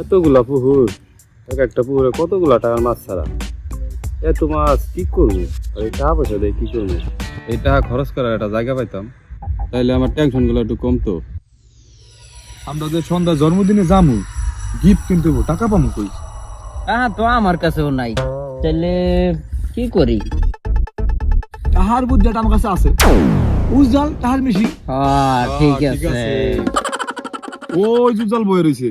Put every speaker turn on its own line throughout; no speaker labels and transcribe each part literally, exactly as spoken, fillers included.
এতগুলা পুকুর, এক একটা পুকুরে কতগুলা টাকার মাছ ছাড়া, এত মাছ কি করবো? আর এই টাকা পয়সা দিয়ে কি করবো? এই টাকা খরচ করার একটা জায়গা পাইতাম, তাইলে আমার টেনশন গুলো একটু কমতো।
আমরা যে সন্ধ্যা জন্মদিনে যামু, গিফট কিনতে হবো, টাকা পাবো কই?
টাকা তো আমার কাছেও নাই, তাহলে কি করি?
তাহার বুদ্ধিটা আমার কাছে আছে। উজাল তাহার মিশি
হ্যাঁ ঠিক আছে।
ওই উজাল বয়ে রয়েছে।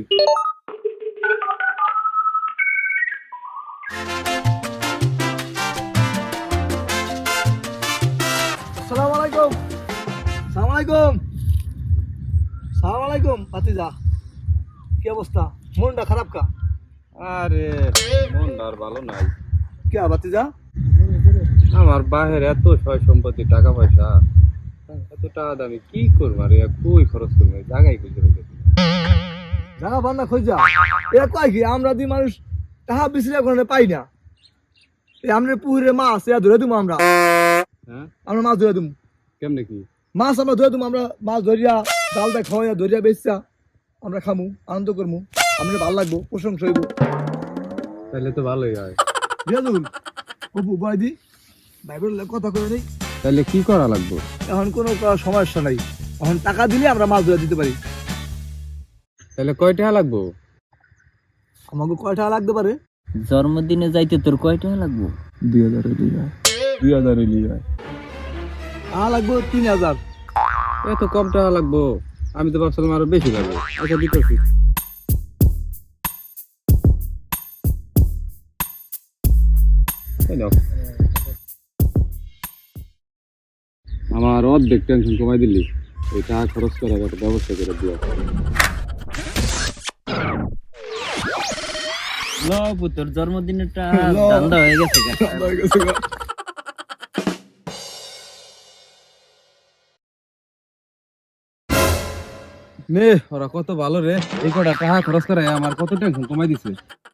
আসসালামু আলাইকুম। আসসালামু আলাইকুম। আসসালামু আলাইকুম ভাতিজা। কি অবস্থা? মনটা খারাপ কা?
আরে মন আর ভালো নাই।
কে ভাতিজা?
আমার বাহের এত সয় সম্পত্তি, টাকা পয়সা, এত টাকা দামি কি করবো? আর কই খরচ করবো? জায়গায় খুঁজে রেখেছি।
জায়গা বান্না খোঁজা এ কয় কি আমরা দুই মানুষ টাকা বিচলে ওখানে পাই না। এই আমরা পুকুরে মাছ এ ধরে দিমু আমরা।
হ্যাঁ,
আমরা মাছ ধরে দিমু।
কেমনে কি?
মাছ আমরা ধরে দিমু, আমরা মাছ ধরিয়া জালটা খাওয়াইয়া ধরিয়া বেচা আমরা খামু, আনন্দ করমু, আমরা ভালো লাগবো, প্রশংসা হইব।
তাহলে তো ভালোই হয়।
রিয়াজুল অপু বয়দি ভাই বললে কথা করে নেই।
তাহলে কি করা লাগবে?
এখন কোনো ক- সমস্যা নাই, এখন টাকা দিলে আমরা মাছ ধরে দিতে পারি।
তাহলে কয় টাকা লাগবো?
আমাকে কয় টাকা লাগতে পারে?
জন্মদিনে যাইতে তোর কয় টাকা লাগবো?
দুই হাজার
দুই হাজার হইলি হয়।
টাকা লাগবো তিন হাজার।
এত কম টাকা লাগবো? আমি তো ভাবছিলাম আরো বেশি লাগবে। আচ্ছা দিতেছি। এই নাও। আমার অর্ধেক টেনশন কমাই দিলি, এই টাকা খরচ করার একটা ব্যবস্থা করে দিয়া।
লবু তোর জন্মদিনেরটা
ল।
ধান্দা হয়ে গেছে গা।
নে ওরা কত ভালো রে, এই কটা টাকা খরচ করে আমার কত টেনশন কমাই দিছে।